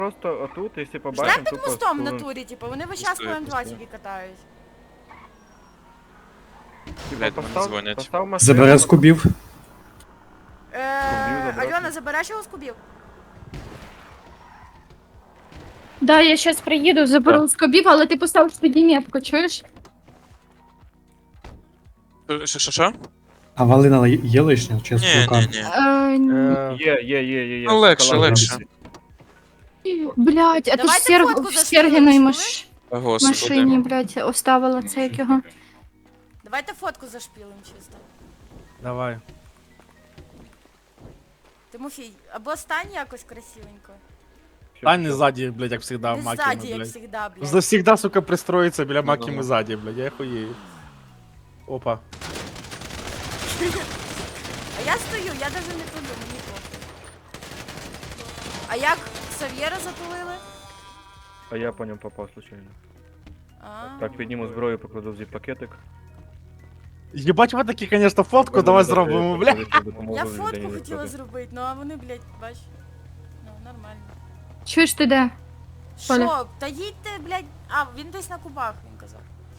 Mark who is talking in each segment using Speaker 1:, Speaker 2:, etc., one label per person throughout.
Speaker 1: просто отут, якщо
Speaker 2: Ждем
Speaker 1: побачимо,
Speaker 2: під
Speaker 1: тупо
Speaker 2: мостом в
Speaker 1: спливем.
Speaker 2: натурі, типу, вони весь час по
Speaker 3: Пустує,
Speaker 2: М2
Speaker 3: пустує.
Speaker 2: тільки катають.
Speaker 3: Блядь, мене дзвонять.
Speaker 1: Постав машину.
Speaker 4: Забере з кубів.
Speaker 1: забрати.
Speaker 2: Альона, забереш його з кубів?
Speaker 5: Да, я щас приїду, заберу з кобів, але ти поставиш тоді метку, чуєш?
Speaker 3: Що?
Speaker 4: А валина є лишня, чи з
Speaker 3: Ні,
Speaker 4: кулака?
Speaker 3: ні, ні.
Speaker 1: Є.
Speaker 3: Ну, легше,
Speaker 1: Шоколад
Speaker 3: легше.
Speaker 1: робиться.
Speaker 5: Блядь, а то ж
Speaker 2: Давайте фотку
Speaker 5: в
Speaker 2: зашпилимо,
Speaker 5: Сергіної
Speaker 2: чули?
Speaker 5: машині,
Speaker 3: Господи.
Speaker 5: блядь, оставила це як його.
Speaker 2: Давайте фотку зашпілим чисто.
Speaker 6: Давай.
Speaker 2: Тимофій, або стань якось красивенько.
Speaker 6: Стань не ззаді, блядь, як всегда,
Speaker 2: Не
Speaker 6: Макіми,
Speaker 2: ззаді, як
Speaker 6: блядь.
Speaker 2: завжди, блядь.
Speaker 6: Завсегда, сука, пристроїться біля Макіми
Speaker 3: Ну-ну.
Speaker 6: ззаді, блядь, я хуєю. Опа.
Speaker 2: А я стою, я даже не туди, мені похуй. А як Сав'єра затулили?
Speaker 1: А я по ньому попав случайно. Так, підніму зброю, покладу в зіп-пакетик.
Speaker 6: Єбать, ви такі, конечно, фотку, давай зробимо, блядь.
Speaker 2: Я фотку хотіла зробити, ну а вони, блядь, бач. Ну, нормально.
Speaker 5: Чуєш ти де? Коля.
Speaker 2: Що? Та їдьте, блядь. А, він десь на кубах, він казав.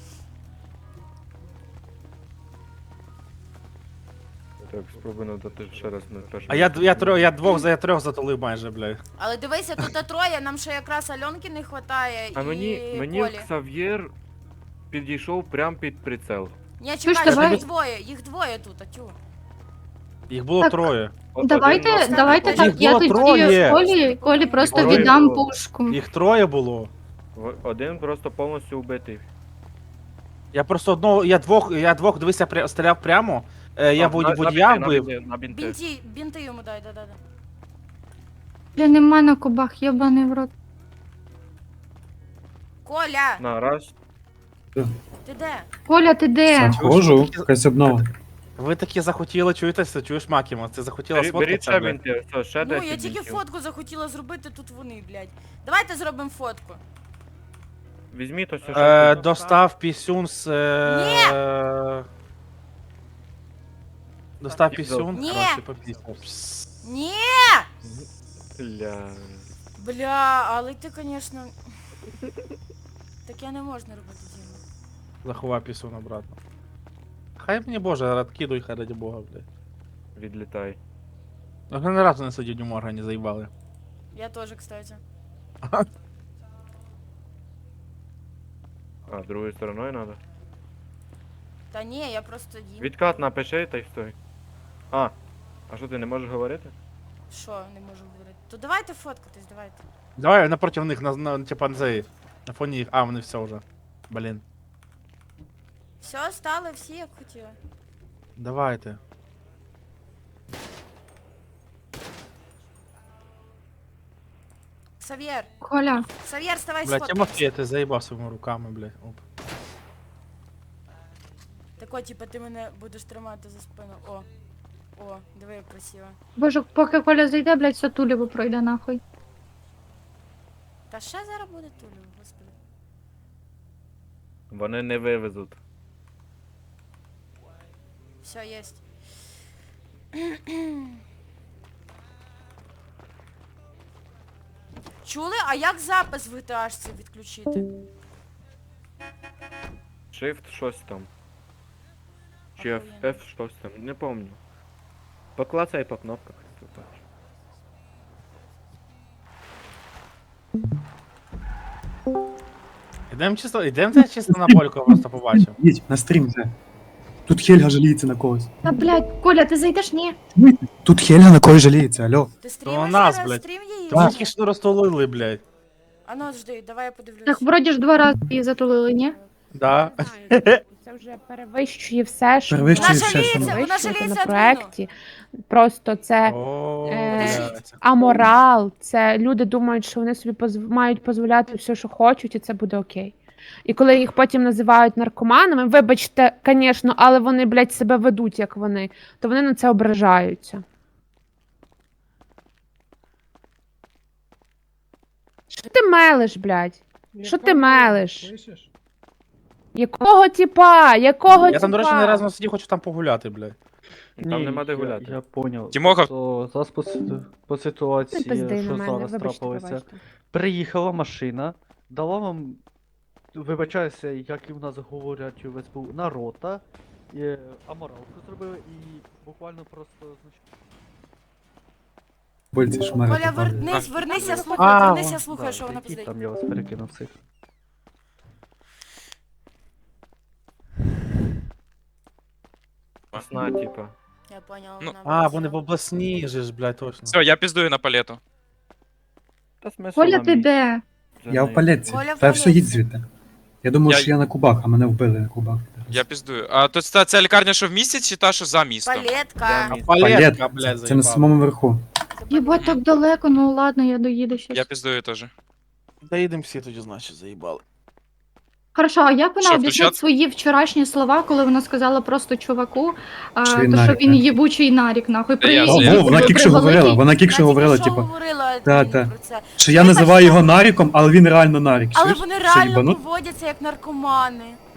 Speaker 1: Так, спробую надати ще раз на першому.
Speaker 6: А я трьох затулив майже, блядь.
Speaker 2: Але дивися, тут троє, нам ще якраз Альонки не хватає
Speaker 1: А
Speaker 2: і
Speaker 1: мені
Speaker 2: Колі.
Speaker 1: Ксав'єр підійшов прям під прицел.
Speaker 2: Ні,
Speaker 5: Чуєш,
Speaker 2: чекай,
Speaker 5: давай-
Speaker 2: їх двоє тут, тю.
Speaker 6: Їх було
Speaker 5: Так.
Speaker 6: троє.
Speaker 5: Давайте
Speaker 2: Їх
Speaker 5: так, я
Speaker 6: було
Speaker 5: тоді
Speaker 6: троє.
Speaker 5: Колі просто
Speaker 1: Троє
Speaker 5: віддам
Speaker 1: було.
Speaker 5: пушку.
Speaker 6: Їх троє було.
Speaker 1: Один просто повністю убитий.
Speaker 6: Я просто одного, я двох, дивися, стріляв прямо. Я водія вбив.
Speaker 1: На бінти.
Speaker 2: Бінти йому дай, да.
Speaker 5: Бля, нема на кубах, єбаний в рот.
Speaker 2: Коля,
Speaker 1: На, раз.
Speaker 2: ти де?
Speaker 5: Коля, ти де?
Speaker 4: Заходжу, якась обнова.
Speaker 6: Ви такі захотіли, чуєтеся, чуєш Макіма? Ти захотіла
Speaker 1: Беріть
Speaker 6: сфоткатися,
Speaker 1: ще
Speaker 6: блядь.
Speaker 1: бінти, все, ще
Speaker 2: Ну,
Speaker 1: 10
Speaker 2: я тільки
Speaker 1: бінтів.
Speaker 2: фотку захотіла зробити, тут вони, блядь. Давайте зробимо фотку.
Speaker 1: Візьміть ось що.
Speaker 6: Достав пісюн з... Достав пісюн,
Speaker 2: Ні.
Speaker 6: коротше, попісяв. Пс.
Speaker 2: Ні!
Speaker 1: Бля.
Speaker 2: Бля, але ти, конечно... Таке не можна робити, Діма.
Speaker 6: Заховав пісюн обратно. Хай мені боже, радкидуй, хай раді бога, блядь.
Speaker 1: Відлітай.
Speaker 6: Ну, ні разу не сидів в органі, заїбали.
Speaker 2: Я теж, кстати.
Speaker 1: А, другою стороною треба?
Speaker 2: Та ні, я просто їм.
Speaker 1: Відкат напиши та й стой. А що ти не можеш говорити?
Speaker 2: Що, не можу говорити? То давайте фоткатись, давайте.
Speaker 6: Давай напроти них, типа, на цей, на фоні їх. А, вони все вже. Блін.
Speaker 2: Все, стали всі, як хотіли.
Speaker 6: Давайте.
Speaker 2: Сав'єр,
Speaker 5: Коля,
Speaker 2: Сав'єр, ставай
Speaker 6: Блядь,
Speaker 2: сфоткатись.
Speaker 6: Тимофій, ти заїбав своїми руками, блядь. Оп.
Speaker 2: Тако, типа, ти мене будеш тримати за спину. О, диви, як красиво.
Speaker 5: боже, поки Коля зайде, блядь, все туліво пройде нахуй.
Speaker 2: Та ще зараз буде тулю, господи.
Speaker 1: Вони не вивезуть.
Speaker 2: Все, єсть. Чули? А як запис в GTA відключити?
Speaker 1: Shift щось там. Чи
Speaker 2: Охуєнно.
Speaker 1: F щось там, не помню. Поклацай по кнопках. ти бачиш.
Speaker 6: Ідем чисто на польку, просто побачив.
Speaker 4: Їдь, на стрім вже. Тут Хельга жаліється на когось.
Speaker 5: Та, блядь, Коля, ти зайдеш? Ні.
Speaker 4: Тут Хельга на когось жаліється, алло.
Speaker 2: Ти
Speaker 6: То
Speaker 2: стрімиш
Speaker 6: нас,
Speaker 2: зараз?
Speaker 6: блядь.
Speaker 2: Стрім її?
Speaker 6: Та тільки що розтулили, блядь.
Speaker 2: А ну, жди, давай я подивлюсь.
Speaker 5: Так, вроді ж 2 рази її затулили, ні?
Speaker 6: Да.
Speaker 7: Це вже перевищує все, що
Speaker 4: Перевищує
Speaker 2: Вона
Speaker 4: все, що
Speaker 2: жаліється,
Speaker 4: ми-
Speaker 2: вона
Speaker 7: вищується
Speaker 2: жаліється
Speaker 7: на проекті. Просто це
Speaker 6: О,
Speaker 7: Е,
Speaker 6: блядь.
Speaker 7: аморал, це люди думають, що вони собі мають дозволяти все, що хочуть, і це буде окей. І коли їх потім називають наркоманами, вибачте, звісно, але вони, блядь, себе ведуть, як вони, то вони на це ображаються. Що ти мелиш, блядь? Що ти мелиш? Якого типа? Якого
Speaker 6: Я там, до речі,
Speaker 7: типа?
Speaker 6: не разу сидів, хочу там погуляти, блядь.
Speaker 1: Там нема де гуляти.
Speaker 8: Я поняв.
Speaker 3: Тімоха.
Speaker 8: То зараз по
Speaker 7: Не
Speaker 8: ситуації,
Speaker 7: пизди на
Speaker 8: що
Speaker 7: мене,
Speaker 8: зараз
Speaker 7: вибачте,
Speaker 8: трапилося.
Speaker 7: пробачте.
Speaker 8: Приїхала машина, дала вам, вибачаюся, як і в нас говорять у СБУ, нарота, аморалку зробили і буквально просто,
Speaker 4: Больці шмари.
Speaker 2: Коля,
Speaker 4: попали.
Speaker 2: вернися,
Speaker 6: А,
Speaker 2: слухай, вернися,
Speaker 6: вон.
Speaker 2: слухай, що вона
Speaker 8: які
Speaker 2: пиздить.
Speaker 8: там я вас перекинув всіх.
Speaker 1: Сна, типа.
Speaker 2: Я поняла,
Speaker 3: Ну,
Speaker 2: вона
Speaker 6: Вони в обласній же ж, блядь, точно.
Speaker 3: Все, я піздую на палету.
Speaker 1: Та смисл
Speaker 5: Коля,
Speaker 1: нам
Speaker 5: ти
Speaker 1: їй.
Speaker 5: де?
Speaker 1: Вже
Speaker 4: Я
Speaker 1: не-
Speaker 4: в палетці.
Speaker 2: Коля в
Speaker 4: Та все,
Speaker 2: палетці.
Speaker 4: їдь звідти. Я думав,
Speaker 3: Я-
Speaker 4: що я на кубах, а мене вбили на кубах.
Speaker 3: Я піздую. А то ця лікарня, що в місті, чи та, що за містом?
Speaker 2: Палетка.
Speaker 1: Да,
Speaker 6: Палетка, блядь,
Speaker 4: Це на
Speaker 6: заїбав.
Speaker 4: самому верху.
Speaker 5: Єбать, так далеко, ну ладно, я доїду щас.
Speaker 3: Я піздую теж.
Speaker 6: Доїдемо всі тоді, значить, заїбали.
Speaker 5: Хорошо, а як вона
Speaker 3: Що,
Speaker 5: об'яснить
Speaker 3: включати?
Speaker 5: свої вчорашні слова, коли вона сказала просто чуваку,
Speaker 4: Що
Speaker 5: то
Speaker 4: він
Speaker 5: що
Speaker 4: нарік,
Speaker 5: він
Speaker 4: не?
Speaker 5: єбучий нарік, нахуй.
Speaker 3: Та я
Speaker 4: О,
Speaker 3: знаю.
Speaker 4: вона
Speaker 5: при
Speaker 4: кікше говорила,
Speaker 5: великій-
Speaker 4: вона кікше
Speaker 2: Вона
Speaker 4: говорила,
Speaker 2: тільки що
Speaker 4: типу,
Speaker 2: говорила
Speaker 4: та,
Speaker 2: про
Speaker 4: та.
Speaker 2: це.
Speaker 4: що я називаю його наріком, але він реально нарік.
Speaker 2: Але
Speaker 4: Чуєш?
Speaker 2: вони
Speaker 4: Що,
Speaker 2: реально
Speaker 4: їбанут?
Speaker 2: поводяться як наркомани.